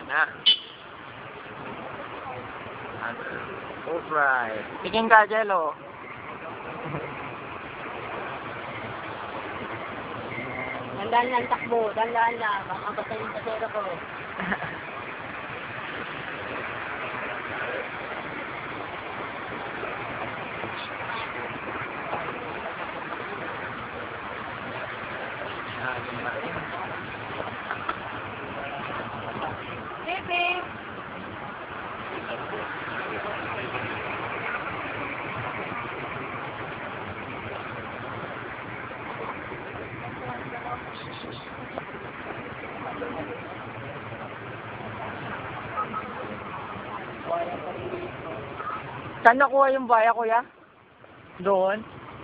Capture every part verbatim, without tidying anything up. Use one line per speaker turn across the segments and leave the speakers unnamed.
Na. Alright. Tingin ka, Jello.
Dandaan lang takbo, dandaan lang. Baka basta yung pasero ko. Baby!
Saan nakuha yung baya, kuya? Doon?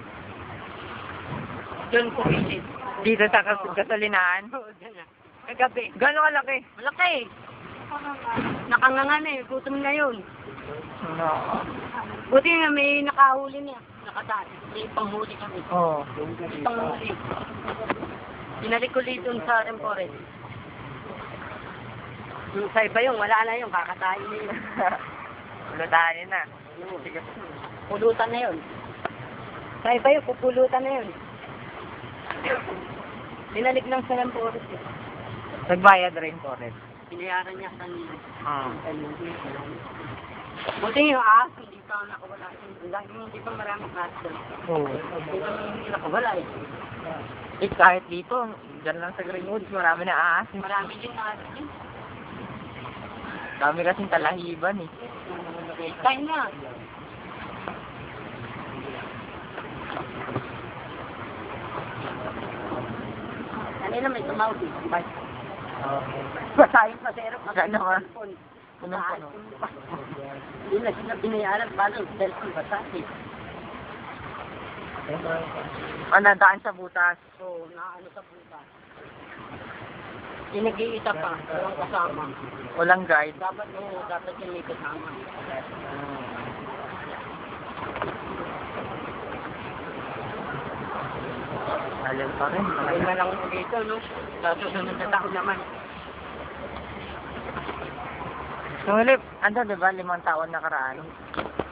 Doon ko visit.
Dito sa kas gasolinahan?
Oo, dyan na. Kagabi.
Gano'ng kalaki?
Malaki. Nakanganga na eh. Gutom na yun.
No.
Buti nga may nakahuli niya. Nakatali. May panghuli kami.
Oo.
May panghuli. Binalik ko dito sa Forest. Yung sa iba yung wala na yung kakatayin na yun.
Ulutanin na.
Pulutan na yun. Sa iba yung pupulutan na yun. Binalik lang sa Forest eh.
Nagbayad rin po rin.
Pinayaran niya kanina.
Ah.
Buti yung ahas, hindi pa nakawala. Hindi pa maraming ahas doon.
Oo.
Hindi pa hindi nakawala eh.
Eh, kahit dito, dyan lang sa Greenwoods, marami na ahas.
Marami din ahas din.
Dami kasing talahiban eh.
Kain na. Kanina may tumawag eh. Bye. Pasayang pasero.
Maganda ba?
Punong
Punong-puno.
Hindi na sila binayaran. Paano? Cellphone basa eh.
Ah, nadaan sa butas.
So, naano sa butas. Pinag-iita pa. Walang kasama.
Walang guide.
Dapat mo, dapat yung may kasama.
Alin pa rin.
Ayun na lang mo dito, no? Sa susunod na taon naman.
So, Lip, ano diba, limang taon nakaraan?